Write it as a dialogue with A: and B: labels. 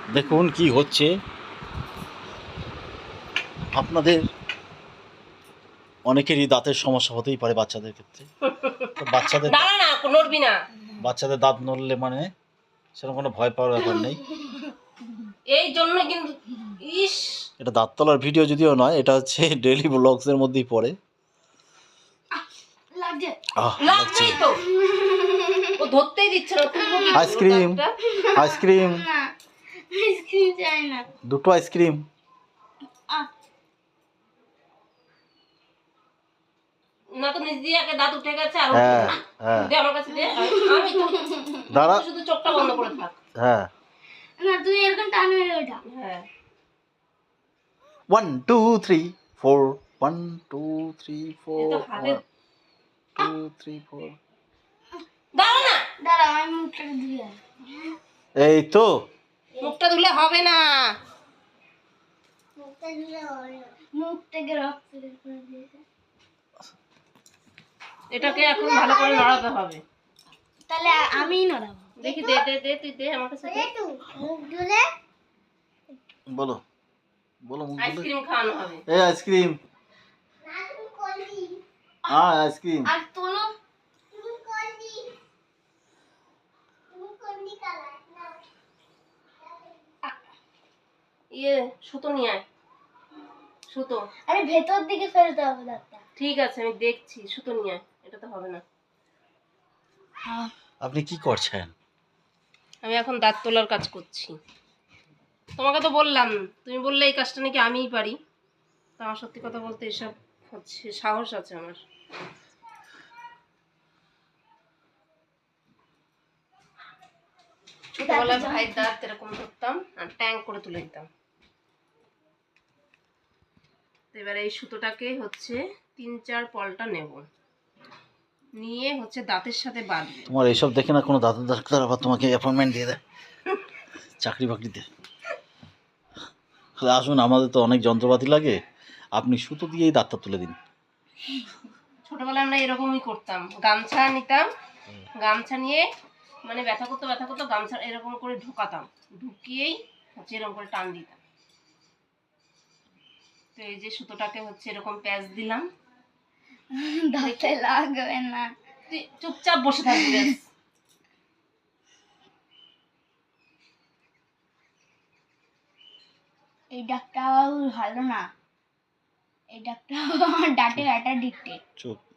A: দেখুন কি হচ্ছে আপনাদের অনেকেরই দাঁতের সমস্যা হতেই পারে বাচ্চাদের ক্ষেত্রে। তো বাচ্চাদের
B: দাঁড়া না, নড়বি না।
A: বাচ্চাদের দাঁত নড়লে মানে সেরকম কোনো ভয় পাওয়ার ব্যাপার নেই।
B: এই জন্য কিন্তু ইস
A: এটা দাঁত তলার ভিডিও যদিও নয়, এটা হচ্ছে ডেইলি ব্লগসের মধ্যেই পড়ে।
C: লাগছে
A: লাগছে।
B: লাগছেই তো, ও ধরতেই দিচ্ছে না। তুলবো কি করে ওর
A: আইসক্রিম
B: দাঁতটা?
A: আইসক্রিম
C: না আইসক্রিম চাই না
A: দুটো আইসক্রিম।
C: আহ,
B: না তো নিজ দিয়ে আগে দাঁত উঠে গেছে আর
A: হ্যাঁ
B: উঠবে না।
A: হ্যাঁ
B: দে আমার কাছে দে। আমি তো
A: দাঁড়া।
B: শুধু চোখটা বন্ধ করে থাক।
A: হ্যাঁ
C: না তুমি এরকম টান মেরে ওঠা
B: হ্যাঁ
A: 1 2 3 4 1 2 3
B: এই তো
A: 4
B: হাতে
A: 1 2 3 4।
B: দাঁড়া না,
C: দাঁড়া আমি মুখটা ধুয়ে আসি।
A: এই তো
B: মুখটা ধুলে হবে না।
C: মুখটা ধুলে হবে না। মুখ থেকে রক্ত বের করে দিয়েছে
B: এটাকে এখন ভালো করে নড়াতে হবে।
C: তাহলে আমিই নড়াবো
B: দেখি দে দে দে, তুই দে আমার কাছে দে।
C: মুখ ধুলে
A: বলো বলো মুখ বলে।
B: আইসক্রিম খাওয়ানো হবে।
A: এই আইসক্রিম। হ্যাঁ আইসক্রিম।
C: আর তোলো
B: ইয়ে সুতো নিয়ে আয়, সুতো।
C: আরে ভেতর দিকে ফেলতে হবে দাঁতটা
B: ঠিক আছে আমি দেখছি, সুতো নিয়ে আয়। এটা তো হবে না।
A: আপনি কি করছেন?
B: আমি এখন দাঁত তোলার কাজ করছি। তোমাকে তো বললাম, তুমি বললে এই কাজটা নাকি আমিই পারি। তো আমার সত্যি কথা বলতে এসব হচ্ছে, সাহস আছে আমার। ছোটবেলায় ভাইয়ের দাঁত এরকম ধরতাম আর ট্যাং করে তুলে দিতাম। তো এবারে এই সুতোটাকে হচ্ছে 3-4 পলটা নেব, নিয়ে হচ্ছে দাঁতের সাথে বাঁধবো।
A: তোমার এইসব দেখে না কোনো দাদা ডাক্তার আবার তোমাকে অ্যাপয়েন্টমেন্ট দিয়ে দেয় চাকরি বাকরিতে। তাহলে আসুন, আমাদের তো অনেক যন্ত্রপাতি লাগে, আপনি সুতো দিয়েই দাঁতটা তুলে দিন।
B: ছোটবেলায় আমরা এরকমই করতাম, গামছা নিতাম, গামছা নিয়ে মানে ব্যথা করতো গামছা এরকম করে ঢোকাতাম, ঢুকিয়েই হচ্ছে এরকম করে টান দিতাম। তো এই যে সুতোটাকে হচ্ছে এরকম প্যাচ দিলাম।
C: দাঁতে লাগবে না
B: তুই চুপচাপ বসে থাকবি ব্যাস।
C: এই ডাক্তার ভালো না এই ডাক্তার আমার দাঁতের একটা ডিক্টেট
A: চুপ।